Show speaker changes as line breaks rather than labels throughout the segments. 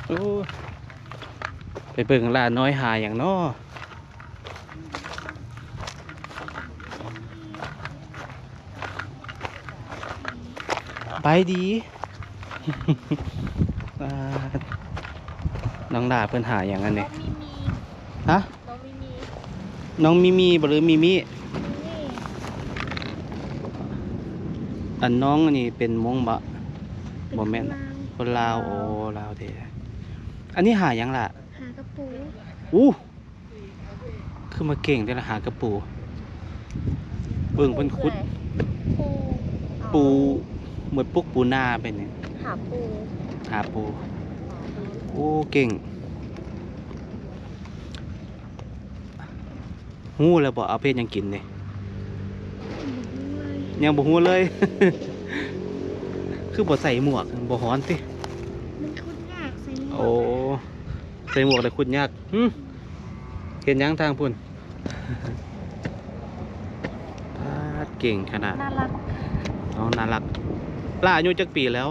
โอ้ไปเบิ่งลาน้อยหาอย่างน้อไปดี น้องดาเพิ่นหาอย่างนั้นเนี่ยฮะน้องมีบ่หรือมีอันน้องนี่เป็นมงบะบ่แม่นคนลาวโอ้ลาวเด้อันนี้หาอย่างล่ะ
หากระปู
คือมาเก่งได้ละหากระปูเบิ่งเพิ่นขุดปูเหมือนปุกปูนาเป็นเนี่ยหาปูโอ้เก่งหู้แล้วบ่เอาเพชรยังกินเนี่ยยังบ่หู้เลย คือบ่ใส่หมวกบ่ฮ้อนติ
มันคุดยากใส่หมวก
โอ้ใส่หมวกแต่คุดยากเห็นยังทางพุ่น เก่งขนาด
น่ารัก
น้องน่ารักล่าอายุจักปีแล้ว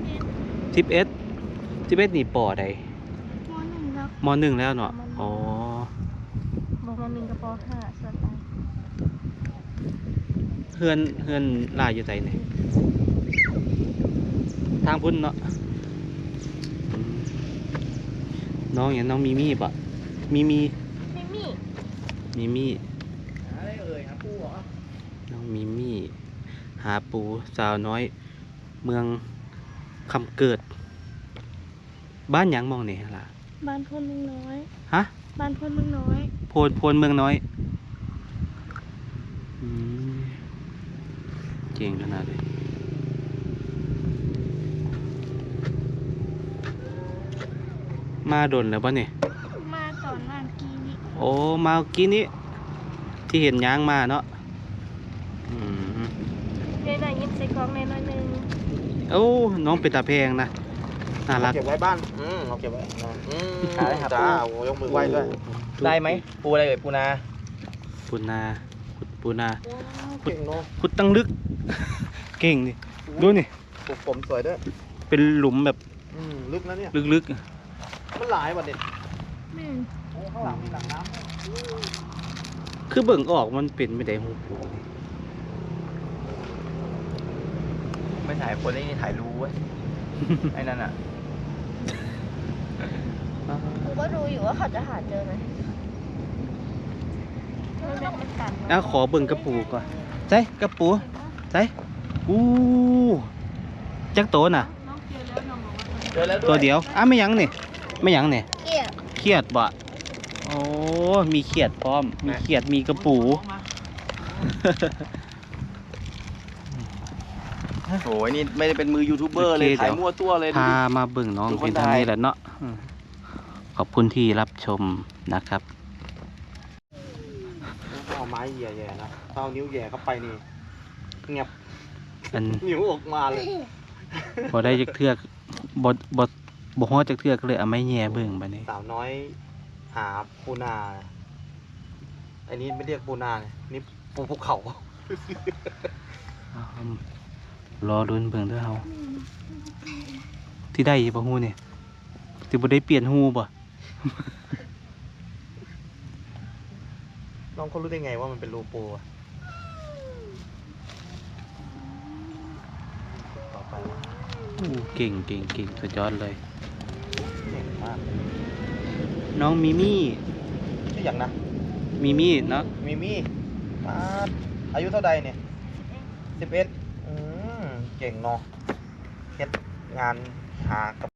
11นี่ปอใดม.1แล้วเนาะอ๋อ
ม.1กับป.5ส่วนไป
เฮือนล่าอยู่ไสนี่ทางพุ่นเนาะน้องอย่างน้องมีปะมี
อะไรหาปูเหรอ
น้องมีหาปูสาวน้อยเมืองคำเกิดบ้านหยังมองนี่ล่ะ
บ้านพลเมืองน้อย
ฮะ
บ้านพลเมืองน้อย
โพนเมืองน้อยเก่งขนาดเลยมาดนแล้วป่ะเนี่ย
มาตอนวันกี้นี้
โอ้มากี้นี้ที่เห็นย้างมาเนาะ
ได้ยิบใส่กล่องในน้อยนึง
โอ้น้องเป็นตาแพงนะน่ารัก
เก็บไว้บ้านเราเก็บไว้หาได้ครับจ้ายกมือไหว้ด้วยได้ไหมปูอะไรปูนา
ขุดตั้งลึกเก่งดิดูนี่
ปลูกผมสวยด้วย
เป็นหลุมแบบ
ลึกนะเนี่ย
ลึก
มันหลายวันเด็ดข้างหลังมีหลังน้
ำคือเบิ่งออกมันเป็นไม่ได้หูปู
ไม่ถ่ายคนนี่ถ่ายรู้เว้ยไอ้นั่นอ่ะ
กูก็ดูอยู่ว่าเขาจะหาเจอไหม
ขอเบิ่งกระปูก่อนใช่กระปูใช่จักโตน่ะตัวเดียวไม่ยังนี่เขียดบ่โอ้มีเขียดพร้อมมีเขียดมีกระปู
โอ้ยนี่ไม่ได้เป็นมือยูทูบเบอร์เลยถ่ายมั่วตัวเลย
พามาเบิ่งน้องเป็นทางนี้แหละเนาะขอบคุณที่รับชมนะครับ
เอาไม้แย่ๆนะเอานิ้วแย่เข้าไปนี่เงียบนิ้วออกมาเลย
พอได้จักเทือกบฮอจักเทือกเลยเอาไม้แย่เบิ่งไปนี่
สาวน้อยหาปูนาอันนี้ไม่เรียกปูนานี่ปูภูเขา
รอลุ้นเบิ่งด้วยเฮาที่ได้บ่ฮู้เนี่ยที่บ่ได้เปลี่ยนฮู้บ่
น้องเขารู้ได้ไงว่ามันเป็นรูปูต่อไป
เก่งสุดยอดเลย
เก่งมาก
น้องมิมี่
ชื่ออย่างนะ
มิมี่เนาะ
มิมี่อายุเท่าใดเนี่ย11เก่งเนาะเฮ็ดงานหากับ